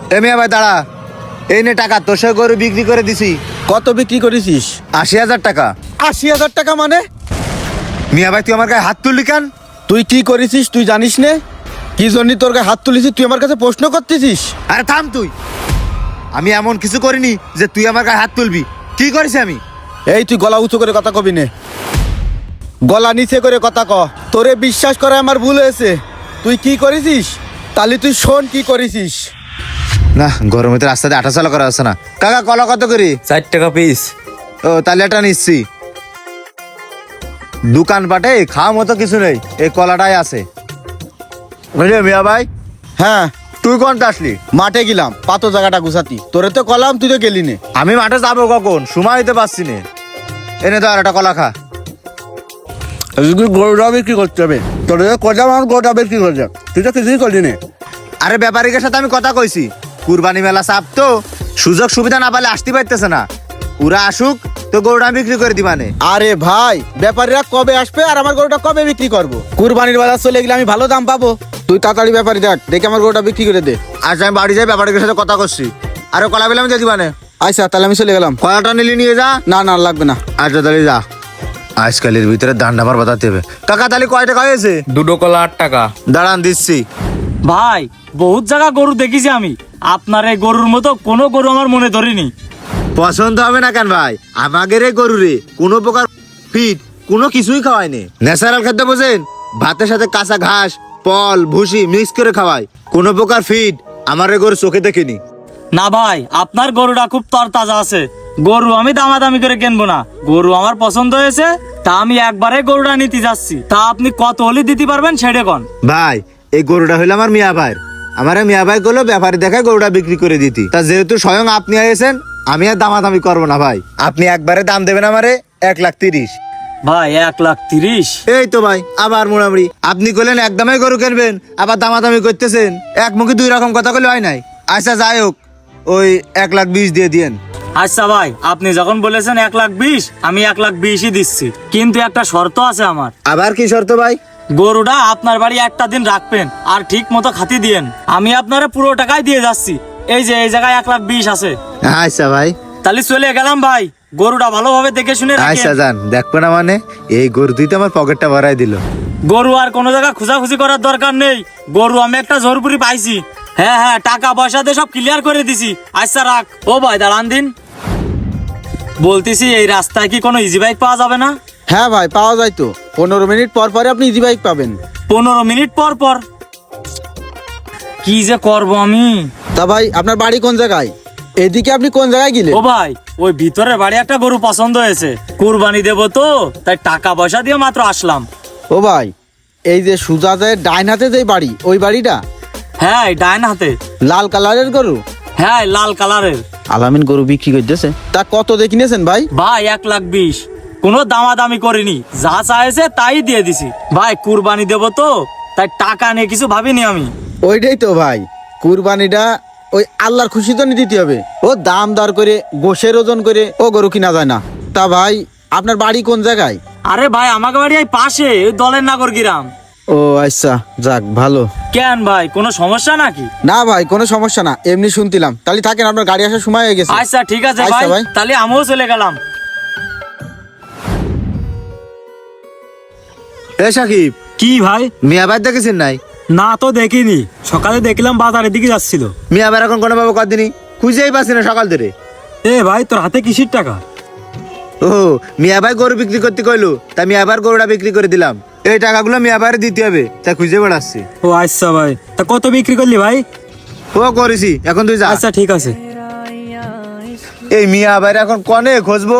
এ মিয়া ভাই দাঁড়া, এই নে টাকা, তোর সঙ্গে গরু বিক্রি করে দিছি। কত বিক্রি করেছিস? ৮০,০০০ টাকা। ৮০,০০০ টাকা মানে? মিয়া ভাই তুই আমার গায়ে হাত তুললি কেন? তুই কি করেছিস তুই জানিস নে? কি জন্য তোর গায়ে হাত তুলেছিস তুই আমার কাছে প্রশ্ন করতেছিস? আরে থাম তুই, আমি এমন কিছু করিনি যে তুই আমার গায়ে হাত তুলবি। কি করেছি আমি? এই তুই গলা উঁচু করে কথা কবি নে, গলা নিচে করে কথা ক। তোরে বিশ্বাস করে আমার ভুল হয়েছে। তুই কি করেছিস তাহলে তুই শোন কি করেছিস। না, গরমে তো রাস্তাতে আটা চালা করা আছে না। কাকা কলা কত করি? 4 টাকা পিস। ও তাহলে এটা নিচ্ছি। দোকান পাটে খাওয়া মতো কিছু নেই, এই কলাটাই আছে। বুঝলি মিয়া ভাই? হ্যাঁ, তুই কোনটা আসলি? মাঠে গেলাম পাতো জায়গাটা গুছাতি। তোরে তো কলাম, তুই তো গেলি নে। আমি মাঠে যাবো কখন, সময় দিতে পারছি না। এনে তো আর একটা কলা খা। গরুটা বিক্রি করতে হবে। তোর কলাম আমার গরুটা বিক্রি করতে, তুই তো কিছুই করলি নে। আরে ব্যাপারীদের সাথে আমি কথা কইছি, কুরবানি মেলা চাপ তো, সুযোগ সুবিধা না পালে আসতে পারতেছে না। ওরা আসুক তো গরুটা বিক্রি করে দিবানে। আরে ভাই, ব্যাপারীরা কবে আসবে আর আমার গরুটা কবে বিক্রি করবো? কুরবানির বাজার চলে গেলে আমি ভালো দাম পাবো। তুই তাড়াতাড়ি ব্যাপারী দেখ, দেখে আমার গরুটা বিক্রি করে দে। আচ্ছা আমি বাড়ি যাই, ব্যাপারীদের সাথে কথা করছি। আরে কলা বেলা আমি দিয়ে দিবানে। আচ্ছা তাহলে আমি চলে গেলাম। কলাটা নিলি নিয়ে যা। না না লাগবে না। আচ্ছা তাহলে যা। আজকালের ভিতরে দান্ডা আমার বাতাতে হবে। কাকা তাহলে কয় টাকা হয়েছে? 2 কলা 8 টাকা। দাঁড়ান দিচ্ছি। ভাই বহুত জায়গা গরু দেখেছি আমি, আপনার এই গরুর মতো কোনো গরু আমার মনে ধরিনি। পছন্দ হবে না কেন ভাই? আমাদের এই গরুরে কোনো প্রকার ফিট কোনো কিছুই খাওয়ায়নি। ন্যাচারাল খাদ্য বোঝেন, ভাতের সাথে কাঁচা ঘাস পল ভুসি মিক্স করে খাওয়ায়। কোনো প্রকার ফিট আমার এই গরু চোখে দেখিনি। না ভাই, আপনার গরুটা খুব তরতাজা আছে। গরু আমি দামাদামি করে কিনবো না, গরু আমার পছন্দ হয়েছে, তা আমি একবারে গরুটা নিতে যাচ্ছি। তা আপনি কত হলে দিতে পারবেন সেটা কোন? ভাই এই গরুটা হইলো আমার মিয়া ভাইয়ের। আমার মিয়া ভাই গুলো ব্যাপারী দেখায় গরুটা বিক্রি করে দিতি। তা যেহেতু স্বয়ং আপনি আইছেন, আমি আর দামাদামি করবো না ভাই। আপনি একবারে দাম দেবেন আমারে 1,30,000। ভাই 1,30,000? এই তো ভাই আবার মোড়ামুড়ি। আপনি কইলেন একদমই গরু কিনবেন, আবার দামাদামি করতেছেন। এক মুখে দুই রকম কথা কইলে হয় নাই। আচ্ছা যাই হোক, ওই 1,20,000 দিয়ে দিয়েন। আচ্ছা ভাই, আপনি যখন বলেছেন 1,20,000, আমি 1,20,000-ই দিচ্ছি। কিন্তু একটা শর্ত আছে আমার। আবার কি শর্ত ভাই? গরুটা আপনার বাড়ি একটা দিন রাখবেন আর ঠিক মতো খাতি দিয়েন। আমি আপনারা পুরো টাকাই দিয়ে যাচ্ছি। এই যে এই জায়গায় 1,20,000 আছে। আচ্ছা ভাই, তাহলে চলে গেলাম ভাই, গরুটা ভালোভাবে দেখে শুনে আচ্ছা রাখেন। যান। দেখবো না মানে, এই গরু তুই তো আমার পকেটটা ভরাই দিল। গরু আর কোনো জায়গা খোঁজাখুঁজি করার দরকার নেই। গরু আমি একটা জোরপুরি পাইছি। হ্যাঁ হ্যাঁ, টাকা পয়সা দিয়ে সব ক্লিয়ার করে দিছি। আচ্ছা রাখ। ও ভাই দাঁড়ান দিন, বলতেছি এই রাস্তায় কি কোনো ইজি বাইক পাওয়া যাবে না? হ্যাঁ ভাই, পাওয়া যায় তো। 15 মিনিট পর পরে আপনি ইজি বাইক পাবেন। 15 মিনিট পর পর? কি যে করব আমি। তা ভাই আপনার বাড়ি কোন জায়গায়? এদিকে আপনি কোন জায়গায় গেলেন? ও ভাই, ওই ভিতরের বাড়ি একটা গরু পছন্দ হয়েছে, কুরবানি দেবো তো, তাই টাকা পয়সা দিয়ে মাত্র আসলাম। ও ভাই, এই যে সুজাদের ডাইন হাতে যে বাড়ি, ওই বাড়িটা? হ্যাঁ এই ডাইন হাতে। লাল কালারের গরু? হ্যাঁ লাল কালারের। আলামিন গরু বিক্রি করতেছে। তা কত দিয়ে কিনেছেন ভাই? ভাই 1,20,000। কোনো দামাদামি করিনি, যা চাইছে তাই দিয়ে দিছি। ভাই কুরবানি দেবো তো, তাই টাকা নিয়ে কিছু ভাবিনি আমি। ওইটাই তো ভাই, কুরবানিটা ওই আল্লাহর খুশি তো দিতে হবে। ও দাম দর করে গোশের ওজন করে ও গরু কিনা যায় না। তা ভাই আপনার বাড়ি কোন জায়গায়? আরে ভাই আমাকে বাড়ি এই পাশে, ওই দলের নাগর গ্রাম। ও আচ্ছা, যাক ভালো। কেন ভাই, কোনো সমস্যা নাকি? না ভাই, কোনো সমস্যা না, এমনি শুনতিলাম। তাহলে থাকেন, আপনার গাড়ি আসার সময় হয়ে গেছে। আচ্ছা ঠিক আছে আচ্ছা ভাই, তাহলে আমিও চলে গেলাম। এ সাকিব, কি ভাই? মিয়া ভাই দেখেছেন নাই? না তো দেখিনি, সকালে দেখলাম বাজারের দিকে যাচ্ছিল। মিয়া ভাই এখন কোনো ভাবে কদিনই খুঁজেই পাচ্ছি না সকাল ধরে। এ ভাই, তোর হাতে কিসির টাকা? ও মিয়া ভাই গরু বিক্রি করতে কইলো, তাই মিয়া ভাইয়ের গরুটা বিক্রি করে দিলাম। এই টাকাগুলো মিয়া ভাইয়ের দিতে হবে, তাই খুঁজে বেড়াচ্ছি। ও আচ্ছা ভাই, তা কত বিক্রি করলি ভাই? ও করেছি, এখন তুই যা। আচ্ছা ঠিক আছে। এই মিয়া ভাইয়ের এখন কনে খুঁজবো?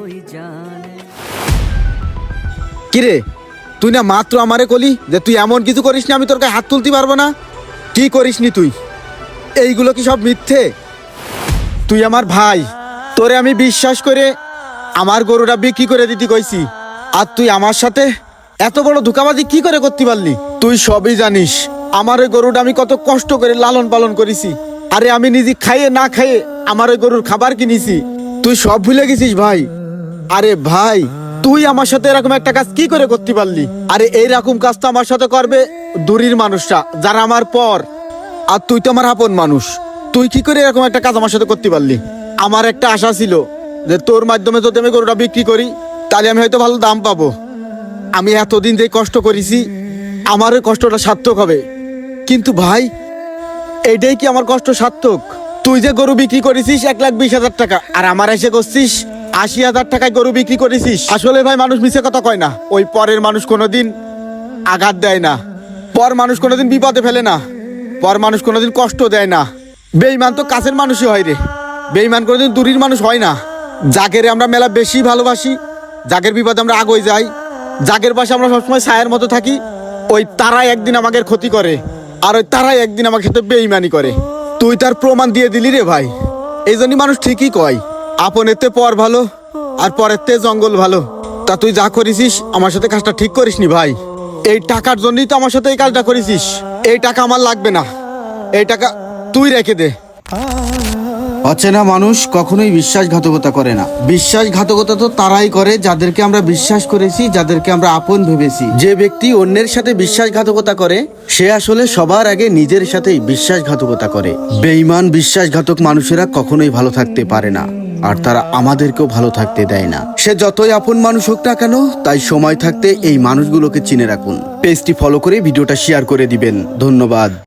কিরে, তুই না মাত্র আমারে কলি যে তুই এমন কিছু করিস না আমি তোর গায়ে হাত তুলতে পারবো না? কি করিসনি তুই? এইগুলো কি সব মিথ্যে? তুই আমার ভাই, তোরে আমি বিশ্বাস করে আমার গরুটা বিক্রি করে দিতে কইছি, আর তুই আমার সাথে এত বড় ধোঁকাবাজি কি করে করতে পারলি? তুই সবই জানিস আমার ওই গরুটা আমি কত কষ্ট করে লালন পালন করেছি। আরে আমি নিজে খাইয়ে না খাইয়ে আমার ওই গরুর খাবার কিনেছি। তুই সব ভুলে গেছিস ভাই। আরে ভাই, তুই আমার সাথে এরকম একটা কাজ কি করে করতে পারলি? আরে এইরকম কাজ তো আমার সাথে করবে দূরের মানুষরা, যারা আমার পর। আর তুই তো আমার আপন মানুষ। তুই কি করে এরকম একটা কাজ আমার সাথে করতে পারলি? আমার একটা আশা ছিল যে তোর মাধ্যমে যদি আমি গরুটা বিক্রি করি তাহলে আমি হয়তো ভালো দাম পাবো। আমি এতদিন যে কষ্ট করেছি আমার ওই কষ্টটা সার্থক হবে। কিন্তু ভাই, এইটাই কি আমার কষ্ট সার্থক? তুই যে গরু বিক্রি করেছিস 1,20,000 টাকা, আর আমার এসে করছিস 80,000 টাকায় গরু বিক্রি করেছিস। আসলে ভাই, মানুষ মিছে কথা কয় না। ওই পরের মানুষ কোনোদিন আঘাত দেয় না, পর মানুষ কোনোদিন বিপদে ফেলে না, পর মানুষ কোনোদিন কষ্ট দেয় না। বেঈমান তো কাছের মানুষই হয় রে, বেঈমান কোনোদিন দূরের মানুষ হয় না। যাকে আমরা মেলা বেশি ভালোবাসি, যাকের বিপদে আমরা আগে যাই, যাকের পাশে আমরা সবসময় ছায়ের মতো থাকি, ওই তারাই একদিন আমাদের ক্ষতি করে, আর ওই তারাই একদিন আমার সাথে বেঈমানি করে। তুই তার প্রমাণ দিয়ে দিলি রে ভাই। এই জন্যই মানুষ ঠিকই কয়, আপনের তে পর ভালো আর পরের তে জঙ্গল ভালো। তা তুই যা করেছিস আমার সাথে কাজটা ঠিক করিসনি ভাই। এই টাকার জন্যই তো আমার সাথে এই কাজটা করেছিস। এই টাকা আমার লাগবে না, এই টাকা তুই রেখে দে। অচেনা মানুষ কখনোই বিশ্বাসঘাতকতা করে না। বিশ্বাসঘাতকতা তো তারাই করে যাদেরকে আমরা বিশ্বাস করেছি, যাদেরকে আমরা আপন ভেবেছি। যে ব্যক্তি অন্যের সাথে বিশ্বাসঘাতকতা করে সে আসলে সবার আগে নিজের সাথেই বিশ্বাসঘাতকতা করে। বেঈমান বিশ্বাসঘাতক মানুষেরা কখনোই ভালো থাকতে পারে না, আর তারা আমাদেরকেও ভালো থাকতে দেয় না। সে যতই আপন মানুষ হোক না কেন, তাই সময় থাকতে এই মানুষগুলোকে চিনে রাখুন। পেজটি ফলো করে ভিডিওটা শেয়ার করে দিবেন। ধন্যবাদ।